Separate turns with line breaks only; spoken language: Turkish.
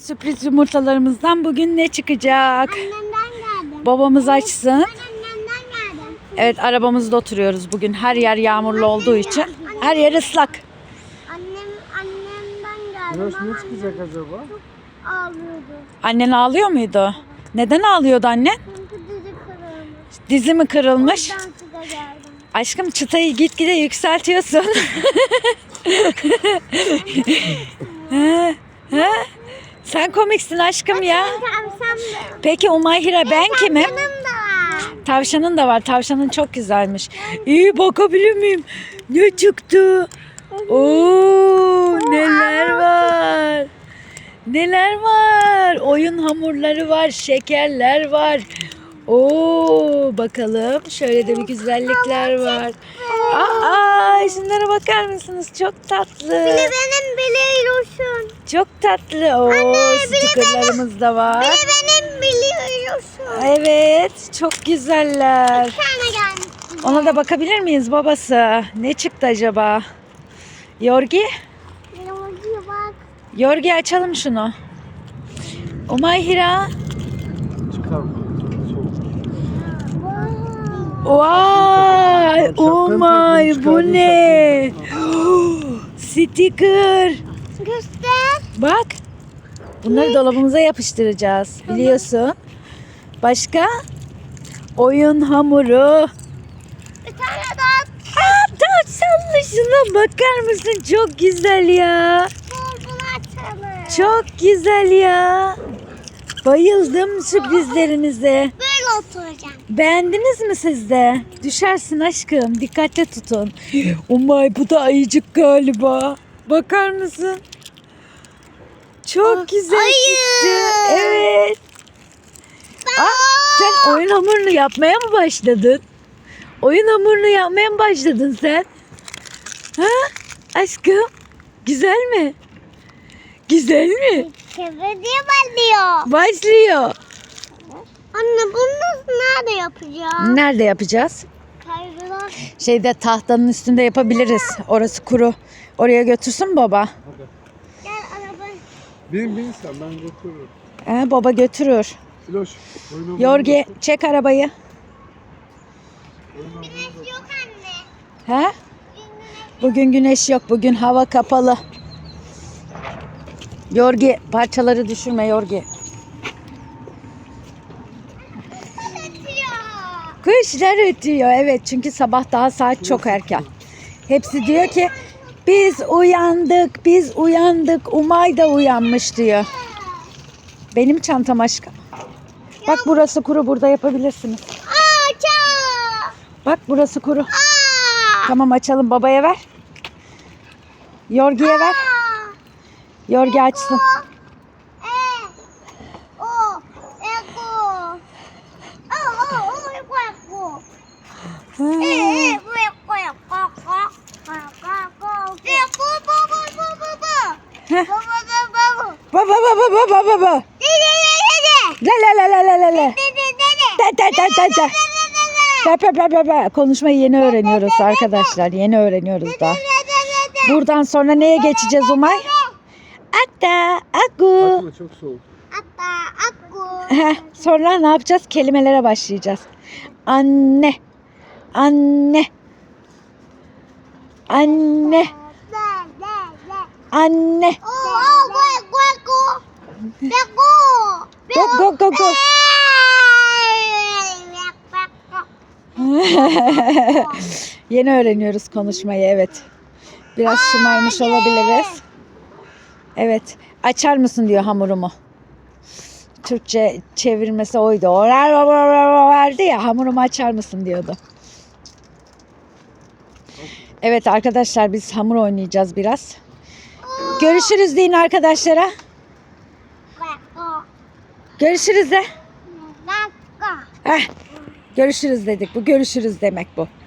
Sürpriz yumurtalarımızdan bugün ne çıkacak?
Annemden geldim.
Babamız açsın.
Ben annemden geldim.
Evet, arabamızda oturuyoruz bugün. Her yer yağmurlu olduğu için. Her yer ıslak.
Annemden geldim.
Biraz
Ama
ne çıkacak acaba?
ağlıyordu.
Annen ağlıyor muydu? Neden ağlıyordu annen?
Çünkü dizi kırılmış.
Dizi mi kırılmış?
Ben size geldim.
Aşkım, çıtayı gitgide yükseltiyorsun. Ha? Sen komiksin aşkım ya.
Tavşan da.
Peki Umayhira, ben kimim?
Tavşanım da var.
Tavşanın da var. Tavşanın çok güzelmiş. İyi, bakabilir miyim? Ne çıktı? Oo, neler var? Neler var? Oyun hamurları var, şekerler var. Oo, bakalım. Şöyle de bir güzellikler var. Aa, şunlara bakar mısınız? Çok tatlı.
Benim biliyorsun.
Çok tatlı. Oo, stikerlerimiz de var.
Benim biliyorsun.
Evet, çok güzeller.
Bir tane gelmiş.
Ona da bakabilir miyiz babası? Ne çıktı acaba? Yorgi?
Yolcuya bak.
Yorgi, açalım şunu. Umayhira.
Çıkar.
Vay! Umay, bu ne? Sticker.
Göster.
Bak. Bunları dolabımıza yapıştıracağız. Biliyorsun. Başka? Oyun hamuru.
Bir tane daha.
Tavşanlı, şuna bakar mısın? Çok güzel ya.
Bunu açalım.
Çok güzel ya. Bayıldım sürprizlerinize.
Böyle oturacağım.
Beğendiniz mi siz de? Düşersin aşkım. Dikkatli tutun. Umay, bu da ayıcık galiba. Bakar mısın? Çok güzel
ayı.
çıktı. Evet. Sen oyun hamurunu yapmaya mı başladın? Oyun hamurunu yapmaya mı başladın sen? Ha? Aşkım. Güzel mi? Güzel mi?
Çevirdiği başlıyor.
Başlıyor.
Anne bunu nerede yapacağım?
Nerede yapacağız?
Kaygılar.
Şeyde, tahtanın üstünde yapabiliriz. Orası kuru. Oraya götürsün baba.
Gel araba.
Bin sen, ben götürürüm.
Baba götürür.
Filoş. oyunu
Yorgi, çek arabayı.
Güneş yok anne.
He? Bugün güneş yok. Bugün hava kapalı. Yorgi, parçaları düşürme Yorgi. Kuşlar ötüyor. Evet, çünkü sabah daha saat çok erken. Hepsi diyor ki biz uyandık, biz uyandık. Umay da uyanmış diyor. Benim çantam aşkım. Bak, burası kuru, burada yapabilirsiniz. Bak, burası kuru. Tamam, açalım, babaya ver. Yorgi'ye ver. Yorgi açsın. Baba baba baba baba. La la la la la la la. Da da da da da. Be be be be be. Konuşmayı yeni öğreniyoruz arkadaşlar. Yeni öğreniyoruz daha. Buradan sonra neye geçeceğiz Umay? Atta, aku.
Açma, çok soğuk.
Sonra ne yapacağız? Kelimelere başlayacağız. Anne. Anne. Anne. Anne. Go go go go. Yeni öğreniyoruz konuşmayı, evet. Biraz şımarmış olabiliriz. Evet. Açar mısın diyor hamurumu. Türkçe çevirmesi oydu. Vardı ya, hamurumu açar mısın diyordu. Evet arkadaşlar, biz hamur oynayacağız biraz. Görüşürüz deyin arkadaşlara. Görüşürüz de. Görüşürüz dedik. Bu görüşürüz demek bu.